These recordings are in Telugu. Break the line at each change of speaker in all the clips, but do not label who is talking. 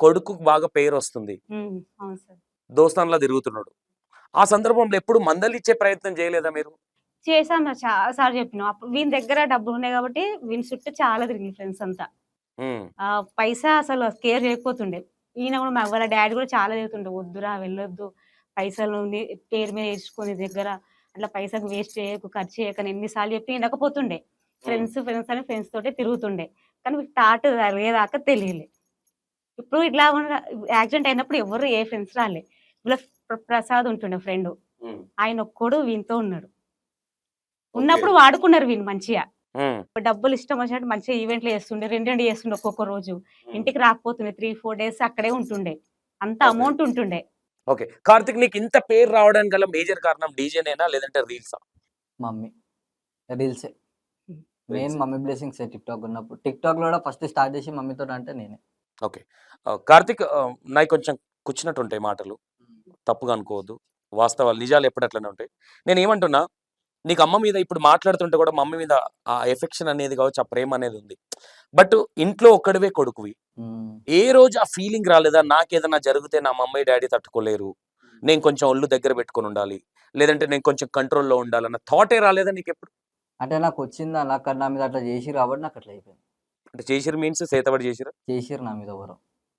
కొడుకు బాగా పేరు వస్తుంది,
అవును సార్.
దోస్తాన్లా తిరుగుతున్నాడు. ఆ సందర్భంలో ఎప్పుడు మందలిచ్చే ప్రయత్నం చేయలేదా మీరు?
చేశాం సార్. చాలా సార్లు చెప్పినాం. అప్పుడు వీని దగ్గర డబ్బులున్నాయి కాబట్టి వీని చుట్టూ చాలా తిరిగింది ఫ్రెండ్స్ అంతా.
హ్మ్.
పైసా అసలు కేర్ చేయకపోతుండే. ఈయన కూడా వాళ్ళ డ్యాడీ కూడా చాలా తిడుతుండే. "వద్దురా వెళ్ళొద్దు. పైసలు పేరు మీద ఏడ్చుకొని దగ్గర అట్లా పైసలు వేస్ట్ చేయకు, ఖర్చు చేయకని" ఎన్ని సార్లు చెప్పి వినకపోతుండే.
హ్మ్.
ఫ్రెండ్స్ అని ఫ్రెండ్స్ తోటే తిరుగుతుండే. కానీ వీళ్ళకి థాట్ జరిగేదాకా తెలియలే. ఇప్పుడు ఇట్లా యాక్సిడెంట్ అయినప్పుడు ఎవరు ఏ ఫ్రెండ్స్ రాలే. వీళ్ళ ప్రసాద్ ఉంటుండే ఫ్రెండు.
హ్మ్.
ఆయన ఒక్కడు వీనితో ఉన్నాడు.
ఓకే.
ఉన్నప్పుడు వాడుకున్నారు వీళ్ళు మంచిగా.
హ్మ్.
డబ్బులు ఇష్టం వచ్చినట్టు మంచిగా ఈవెంట్లు చేస్తుండే. 2 చేస్తుండే ఒక్కొక్క రోజు.
హ్మ్.
ఇంటికి రాకపోతుండే. 3, 4 డేస్ అక్కడే ఉంటుండే. అంత
ఓకే.
అమౌంట్ ఉంటుండే.
ఓకే. కార్తిక్ నీకు ఇంత పేరు రావడానికి గల మేజర్ కారణం డీజేనేనా లేదంటే రీల్సా?
మమ్మీ రీల్సే main.
Reels.
Mummy blessings TikTok ఉన్నప్పుడు. టిక్టాక్లో కూడా ఫస్ట్ స్టార్ట్ చేసి మమ్మీతో అంటే నేనే.
ఓకే. కార్తిక్ నాయి కొంచెం కుచ్చినట్టుంటాయి మాటలు. తప్పుగా అనుకోవద్దు. వాస్తవాలు నిజాలు ఎప్పుడు అట్లనే ఉంటాయి. నేనేమంటున్నా, నీకు అమ్మ మీద ఇప్పుడు మాట్లాడుతుంటే కూడా మమ్మీ మీద ఆ ఎఫెక్షన్ అనేది కావచ్చు, ఆ ప్రేమ అనేది ఉంది. బట్ ఇంట్లో ఒక్కడివే కొడుకువి. ఏ రోజు ఆ ఫీలింగ్ రాలేదా? నాకేదన్నా జరిగితే నా మమ్మీ డాడీ తట్టుకోలేరు, నేను కొంచెం ఒళ్ళు దగ్గర పెట్టుకొని ఉండాలి, లేదంటే నేను కొంచెం కంట్రోల్లో ఉండాలన్న థాటే రాలేదా నీకెప్పుడు?
అంటే నాకు వచ్చిందా, నాకు నా మీద అట్లా చేసిరు కాబట్టి నాకు అట్లా అయిపోయింది.
అంటే చేసిరు మీన్స్ సేతబడి చేసిరా?
చేసిరు నా మీద ఎవరు.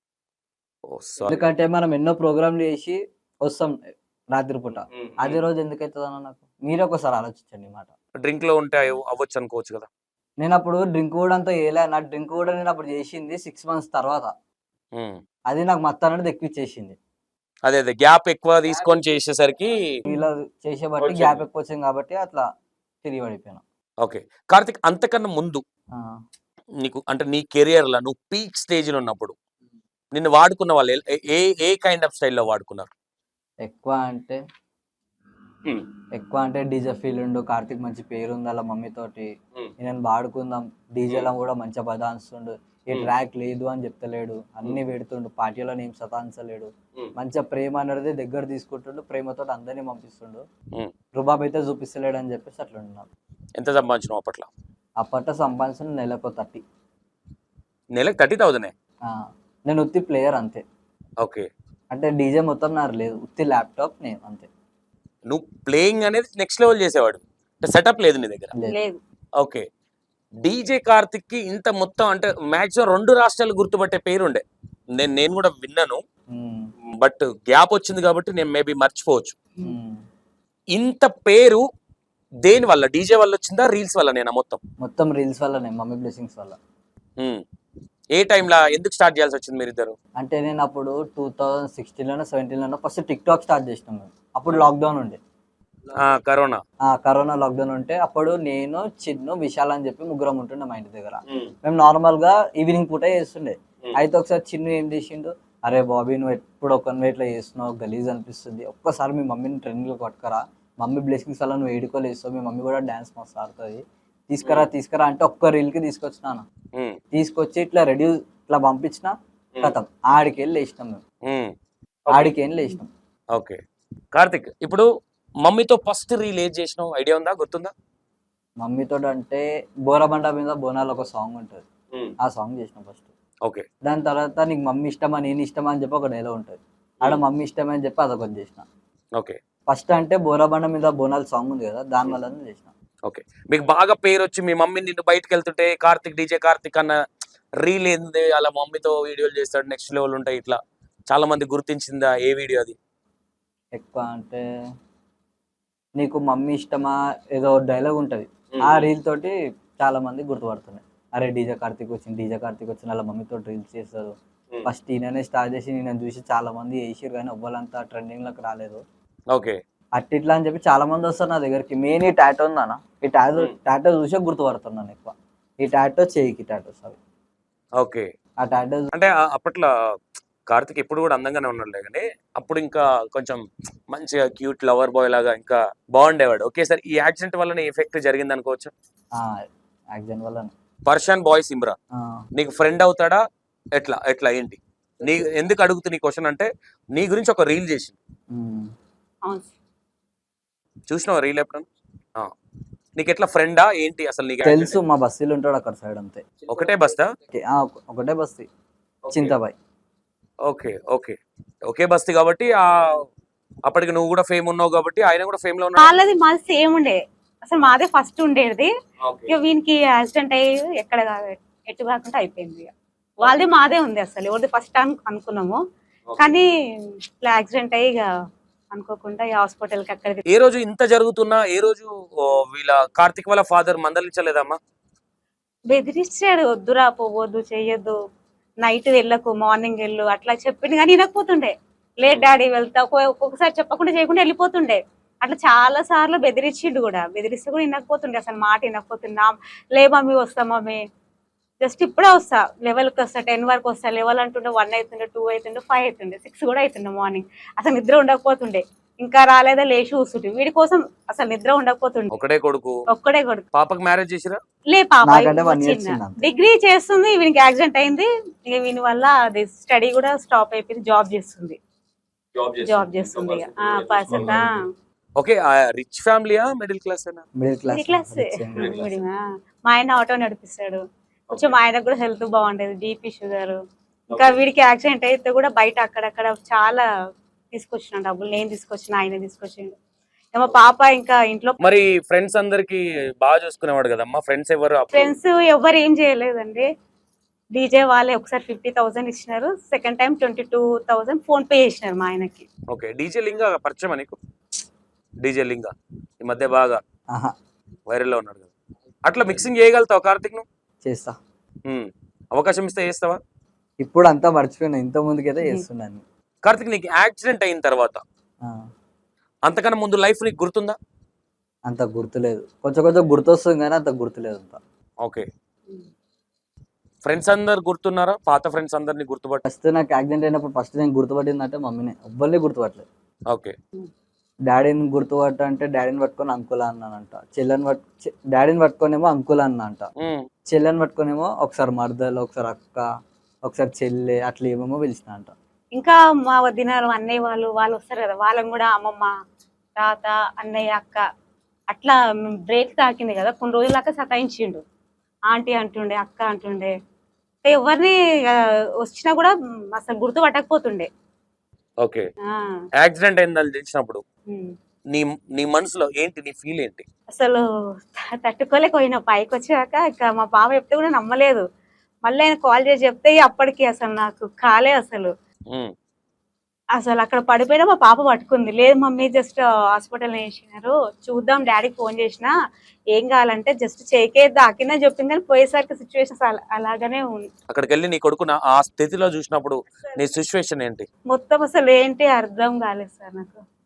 ఓ సారీ.
ఎందుకంటే మనం ఎన్నో ప్రోగ్రాంలు చేసి వస్తాం రాత్రి పూట. అదే రోజు ఎందుకు అవుతుందన్న నాకు మీరే ఒకసారి ఆలోచించండి ఈ మాట.
డ్రింక్ లో ఉంటే అవ్వచ్చు అనుకోవచ్చు కదా.
నేను అప్పుడు డ్రింక్ కూడా అంతా వేయలే. నా డ్రింక్ కూడా నేను అప్పుడు చేసింది 6 months తర్వాత. అది నాకు మత్తు అనేది ఎక్కిచ్చేసింది.
అదే అదే గ్యాప్ ఎక్కువ తీసుకొని చేసేసరికి
ఇలా చేసే బట్టి గ్యాప్ ఎక్కువ వచ్చింది కాబట్టి అట్లా తిరిగి పడిపోయాను.
ఓకే. కార్తిక్, అంతకన్నా ముందు నీకు అంటే నీ కెరియర్ లో నువ్వు పీక్ స్టేజ్ లో ఉన్నప్పుడు నిన్ను వాడుకున్న వాళ్ళు ఏ ఏ కైండ్ ఆఫ్ స్టైల్లో వాడుకున్నారు?
ఎక్కువ అంటే డీజే ఫీల్ ఉండు, కార్తిక్ మంచి పేరు ఉంది అలా మమ్మీ తోటి, నేను వాడుకుందాం డీజేలో కూడా మంచిగా బదాన్స్తుండు, ఏ ట్రాక్ లేదు అని చెప్తలేడు, అన్ని పెడుతుండు, పార్టీలో నేను సతాయించలేడు, మంచిగా ప్రేమ అనేది దగ్గర తీసుకుంటుండు, ప్రేమతో అందరినీ పంపిస్తుండు, రుబాబ్ అయితే చూపిస్తలేడు అని చెప్పేసి అట్లా ఉన్నాను.
ఎంత సంపాదించినావు అప్పట్లో?
అప్పట్లో సంపాదించిన నెలకు 30.
నెలకు 30,000?
నేను ఉత్తి ప్లేయర్ అంతే.
ఓకే.
అంటే డీజే మొత్తం నాకు లేదు, ఉత్తి ల్యాప్టాప్ నేను అంతే.
నువ్వు ప్లేయింగ్ అనేది నెక్స్ట్ లెవెల్ చేసేవాడు, సెటప్ లేదు నీ దగ్గర?
లేదు.
ఓకే. డీజే కార్తిక్ కి ఇంత మొత్తం అంటే మాక్సిమం 2 రాష్ట్రాలు గుర్తుపట్టే పేరు ఉండే, నేను కూడా విన్నాను. బట్ గ్యాప్ వచ్చింది కాబట్టి నేను మేబీ మర్చిపోవచ్చు. ఇంత పేరు దేని వల్ల? డీజే వల్ల వచ్చిందా, రీల్స్ వల్ల? నేనా మొత్తం
రీల్స్ వల్లనే, మమ్మీ బ్లెస్సింగ్స్ వల్ల.
ఏ టైంలో ఎందుకు స్టార్ట్ చేయాల్సి వచ్చింది మీరిద్దరు?
అంటే నేను అప్పుడు 2016లోనో 17లోనో ఫస్ట్ టిక్టాక్ స్టార్ట్ చేసినాం మేము. అప్పుడు లాక్డౌన్ ఉండే, కరోనా లాక్డౌన్ ఉంటే అప్పుడు నేను, చిన్ను, విశాల్ అని చెప్పి ముగ్గురం ఉంటుండే మా ఇంటి దగ్గర. మేము నార్మల్ గా ఈవినింగ్ పూట చేస్తుండే. అయితే ఒకసారి చిన్ను ఏం చేసిండు, అరే బాబీ నువ్వు ఎప్పుడు ఒక ఇట్లా చేస్తున్నావు, గలీజ్ అనిపిస్తుంది, ఒక్కసారి మీ మమ్మీని ట్రెండ్లో పట్టుకరా, మమ్మీ బ్లెస్సింగ్స్ వల్ల నువ్వు ఏడుకోలేస్తావు, మీ మమ్మీ కూడా డాన్స్ మస్తు ఆడుతుంది, తీసుకురా అంటే ఒక్క రీల్కి తీసుకొచ్చినాను. తీసుకొచ్చి ఇట్లా రెడీ ఇట్లా పంపించిన కథం ఆడికెళ్ళి లేచినాం మేము. ఆడికెళ్ళి లేచినాం.
ఓకే. కార్తిక్, ఇప్పుడు మమ్మీతో ఫస్ట్ రీల్ ఏది చేసినావు ఐడియా ఉందా, గుర్తుందా?
మమ్మీతో అంటే బోరబండ మీద బోనాలు ఒక సాంగ్ ఉంటుంది, ఆ సాంగ్ చేసినాం ఫస్ట్.
ఓకే.
దాని తర్వాత నీకు మమ్మీ ఇష్టమా నేను ఇష్టమా అని చెప్పి ఒక డైలాగ్ ఉంటుంది, ఆడ మమ్మీ ఇష్టమా అని చెప్పి అదొకటి చేసిన.
ఓకే.
ఫస్ట్ అంటే బోరబండ మీద బోనాలు సాంగ్ ఉంది కదా, దాని వల్ల చేసిన.
ఓకే. మీకు బాగా పేరు వచ్చి మీ మమ్మీ నిన్ను బయటకు వెళ్తుంటే కార్తిక్, డీజే కార్తిక్ అన్న రీల్ ఏంది, అలా మమ్మీతో వీడియోలు చేస్తాడు, నెక్స్ట్ లెవెల్ ఉంటాయి, ఇట్లా చాలా మంది గుర్తించిందా? ఏ వీడియో అది?
ఎక్కువ అంటే నీకు మమ్మీ ఇష్టమా ఏదో డైలాగ్ ఉంటుంది, ఆ రీల్ తోటి చాలా మంది గుర్తుపడుతున్నాయి. అరే డీజే కార్తిక్ వచ్చింది అలా మమ్మీతో రీల్స్ చేస్తారు. ఫస్ట్ ఈయననే స్టార్ట్ చేసి నేను చూసి చాలా మంది వేసారు, కానీ ఎవ్వరంతా ట్రెండింగ్ లోకి రాలేదు.
ఓకే.
అట్టిట్లా అని చెప్పి చాలా మంది వస్తారు నా దగ్గరికి. మెయిన్ ఈ టాటో ఉందన్న, ఈ టాటో చూసే గుర్తుపడుతున్నాను ఎక్కువ. ఈ టాటో చేయికి టాటోస్ అవి.
ఓకే.
ఆ టాటో
అంటే అప్పట్లో కార్తిక్ ఎప్పుడు కూడా అందంగానే ఉన్నాడులే, కానీ అప్పుడు ఇంకా కొంచెం మంచిగా క్యూట్ లవర్ బాయ్ లాగా ఇంకా బాగుండేవాడు. ఒకేసారి ఈ యాక్సిడెంట్ వల్లనే ఎఫెక్ట్ జరిగింది అనుకోవచ్చు.
యాక్సిడెంట్ వల్ల
పర్షాన్ బాయ్ సిమ్రా నీకు ఫ్రెండ్ అవుతాడా, ఎట్లా ఎట్లా ఏంటి? నీ ఎందుకు అడుగుతున్న ఈ క్వశ్చన్ అంటే, నీ గురించి ఒక రీల్ చేసింది, చూసినావా రీల్ ఎప్పుడన్నా? నీకు ఎట్లా ఫ్రెండా ఏంటి అసలు? నీకు
తెలుసు, మా బస్తీలు ఉంటాడు అక్కడ సైడ్ అంతే.
ఒకటే బస్తా?
ఒకటే బస్తీ, చింతబాయ్.
ఓకే ఓకే ఒకే బస్తీ కాబట్టి అప్పటికి నువ్వు కూడా ఫేమ్ ఉన్నావు కాబట్టి ఆయన కూడా ఫేమ్ లో ఉన్నాడు.
వాళ్ళది మాది సేమ్ ఉండే, అసలు మాదే ఫస్ట్ ఉండేది.
Okay.
ఇక వీనికి యాక్సిడెంట్ అయ్యి ఎక్కడ ఎటు కాకుండా అయిపోయింది. ఇక వాళ్ళది మాదే ఉంది, అసలు ఎవరిది ఫస్ట్ అనుకున్నాము. కానీ ఇట్లా యాక్సిడెంట్ అయ్యి ఇక అనుకోకుండా హాస్పిటల్కి అక్కడ
ఏ రోజు ఇంత జరుగుతున్నా ఏ రోజు వీళ్ళ కార్తిక్ వాళ్ళ ఫాదర్ మందలించలేదమ్మా?
బెదిరిస్తాడు, వద్దురా పోవద్దు చెయ్యొద్దు, నైట్ వెళ్ళకు మార్నింగ్ వెళ్ళు అట్లా చెప్పింది కానీ వినకపోతుండే. లేదు డాడీ వెళ్తా, ఒక్కొక్కసారి చెప్పకుండా చేయకుండా వెళ్ళిపోతుండే. అట్లా చాలా సార్లు బెదిరించిండు కూడా, బెదిరిస్తే కూడా వినకపోతుండే, అసలు మాట వినకపోతున్నా. లే మమ్మీ వస్తా మమ్మీ, జస్ట్ ఇప్పుడే వస్తా, 11కి వస్తా, 10 వరకు వస్తా. 11 అంటుండే 1 అవుతుండే, 2 అవుతుండే, 5 అవుతుండే, 6 కూడా అవుతుండే మార్నింగ్. అసలు నిద్ర ఉండకపోతుండే, ఇంకా రాలేదా లేచి కూర్చుంటే వీడి కోసం అసలు నిద్ర ఉండకపోతుండే.
ఒకడే కొడుకు.
ఒక్కడే కొడుకు.
పాపకు మ్యారేజ్ చేసిరా?
లే పాప
నాకంటే 1 year
చిన్న
చిన్న అంతే.
డిగ్రీ చేస్తుంది, వీనికి యాక్సిడెంట్ అయింది. ఇక వీని వల్ల అది స్టడీ కూడా స్టాప్ అయిపోయింది. జాబ్ చేస్తుంది ఇక పర్సన్
ఓకే రిచ్ ఫ్యామిలీయా మిడిల్ క్లాస్ అయినా?
Middle class.
Middle class. మా ఆయన ఆటో నడిపిస్తాడు, కొంచెం మా ఆయనకు కూడా హెల్త్ బాగుండేది, బీపీ షుగర్. ఇంకా వీడికి యాక్సిడెంట్ అయితే కూడా బయట అక్కడక్కడ చాలా తీసుకొచ్చిన డబ్బులు, నేను తీసుకొచ్చిన, ఆయన తీసుకొచ్చిండు. మా పాప ఇంకా ఇంట్లో.
మరి ఫ్రెండ్స్ అందరికి బాగా చూసుకునేవాడు కదమ్మా, ఫ్రెండ్స్ ఎవరు?
ఫ్రెండ్స్ ఎవరు ఏం చేయలేదండి. డీజే వాళ్ళే ఒకసారి 50,000 ఇచ్చినారు, సెకండ్ టైం 22,000 ఫోన్ పే చేసినారు మా ఆయనకి.
ఓకే డీజే లింగా పరిచయం నీకు? డీజే లింగా ఈ మధ్య బాగా వైరల్ లో ఉన్నాడు కదా, అట్లా మిక్సింగ్ చేయగలుగుతావు కార్తిక్ నువ్వు?
చేస్తా.
అవకాశం ఇస్తే చేస్తావా?
ఇప్పుడు అంతా మర్చిపోయినా, ఇంత ముందుకైతే చేస్తున్నాను.
కార్తిక్ నీకు యాక్సిడెంట్ అయిన తర్వాత అంతకన్నా ముందు లైఫ్ నీకు గుర్తుందా?
అంత గుర్తులేదు, కొంచెం కొంచెం గుర్తొస్తుంది కానీ అంత గుర్తులేదు అంత.
ఓకే ఫ్రెండ్స్ అందరు గుర్తున్నారా? పాత ఫ్రెండ్స్ అందరిని గుర్తుపట్ట?
ఫస్ట్ నాకు యాక్సిడెంట్ అయినప్పుడు ఫస్ట్ నేను గుర్తుపట్టింది అంటే మమ్మీనే, ఎవ్వరిని గుర్తుపట్టలేదు.
ఓకే
డాడీని గుర్తుపట్ట అంటే డాడీని పట్టుకొని అంకుల్ అన్నానంట, డాడీని పట్టుకొనేమో అంకుల్ అన్న అంట, చెల్లెని పట్టుకొనేమో ఒకసారి మరదలు, ఒకసారి అక్క, ఒకసారి చెల్లె, అట్లా ఏమేమో పిలిచిన అంట.
ఇంకా మా వదినాలు అన్నయ్య వాళ్ళు వస్తారు కదా, వాళ్ళని కూడా అమ్మమ్మ, తాత, అన్నయ్య, అక్క అట్లా బ్రేక్ తాకింది కదా, కొన్ని రోజుల దాకా సతాయించిండు. ఆంటీ అంటుండే, అక్క అంటుండే, ఎవరిని వచ్చినా కూడా అసలు గుర్తు పట్టకపోతుండే.
ఓకే యాక్సిడెంట్ అయిందని తెలిసినప్పుడు నీ మనసులో ఏంటి, నీ ఫీల్ ఏంటి?
అసలు తట్టుకోలేకపోయినా, పైకి వచ్చాక ఇక మా పాప చెప్తే కూడా నమ్మలేదు. మళ్ళీ ఆయన కాల్ చేసి చెప్తే అప్పటికి అసలు నాకు కాలే అసలు అక్కడ పడిపోయినా మా పాప పట్టుకుంది. లేదు మమ్మీ జస్ట్ హాస్పిటల్ వేసినారు, చూద్దాం డాడీకి ఫోన్ చేసినా, ఏం కావాలంటే జస్ట్ చేకే దాకినా చెప్పింది. కానీ పోయేసరికి సిచ్యువేషన్స్ అలాగనే ఉంది.
అక్కడికి వెళ్ళి నీ కొడుకున ఆ స్థితిలో చూసినప్పుడు నీ సిచ్యువేషన్ ఏంటి?
మొత్తం అసలు ఏంటి అర్థం కాలేదు సార్ నాకు.